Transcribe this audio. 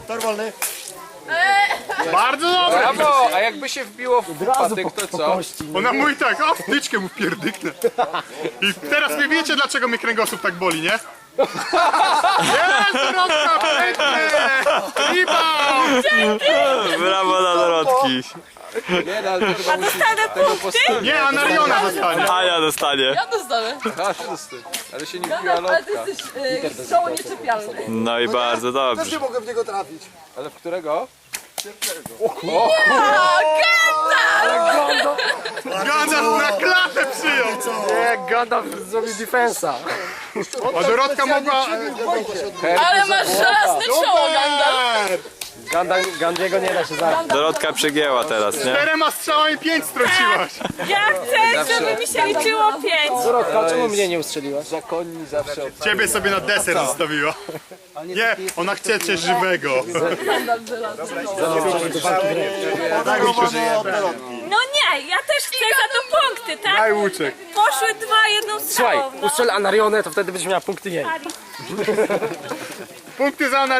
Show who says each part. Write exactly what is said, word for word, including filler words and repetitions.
Speaker 1: Tor wolny.
Speaker 2: Bardzo dobre!
Speaker 3: Brawo! A jakby się wbiło w patyk, to co?
Speaker 2: Ona mówi tak, a wtyczkę mu pierdyknę. I teraz nie wiecie, dlaczego mnie kręgosłup tak boli, nie? Jest, Dorotka, pięknie! Rebound!
Speaker 4: Brawo dla Dorotki.
Speaker 3: Nie, no, ale to chyba musi
Speaker 5: Dostanę
Speaker 3: tego
Speaker 5: punkty?
Speaker 3: postawić.
Speaker 2: Nie, a Nariona dostanie.
Speaker 4: Ania dostanie.
Speaker 6: Ja dostanę.
Speaker 3: A, wszyscy. Ale się nie wbiła
Speaker 6: Ale ty
Speaker 3: lotka.
Speaker 6: jesteś y, strzału nieczepialny.
Speaker 4: No i bardzo
Speaker 1: Też
Speaker 4: dobrze.
Speaker 1: nie mogę w niego trafić.
Speaker 3: Ale w którego?
Speaker 2: Gandalf na klatę przyjął!
Speaker 7: Nie, Gandalf zrobił defensa.
Speaker 2: A Dorotka mogła...
Speaker 6: Ale masz żelazny czoło, Gandalf.
Speaker 7: Gandalf, Gandiego nie da się zabić.
Speaker 4: Dorotka przegięła teraz, nie?
Speaker 2: Czterema strzałami pięć strąciłaś.
Speaker 5: Ja chcę, żeby mi się liczyło pięć.
Speaker 7: Dorotka, czemu mnie nie ustrzeliłaś?
Speaker 3: Zakonni zawsze od...
Speaker 2: Ciebie sobie na deser zostawiła. Nie, ona chce cię żywego.
Speaker 5: No nie, ja też chcę za to punkty, tak?
Speaker 2: Daj łuczek.
Speaker 5: Poszły dwa jedną
Speaker 7: Słuchaj,
Speaker 5: strzałą. No.
Speaker 7: ustrzel Anarionę, to wtedy będziesz miała punkty jej.
Speaker 2: Punkty za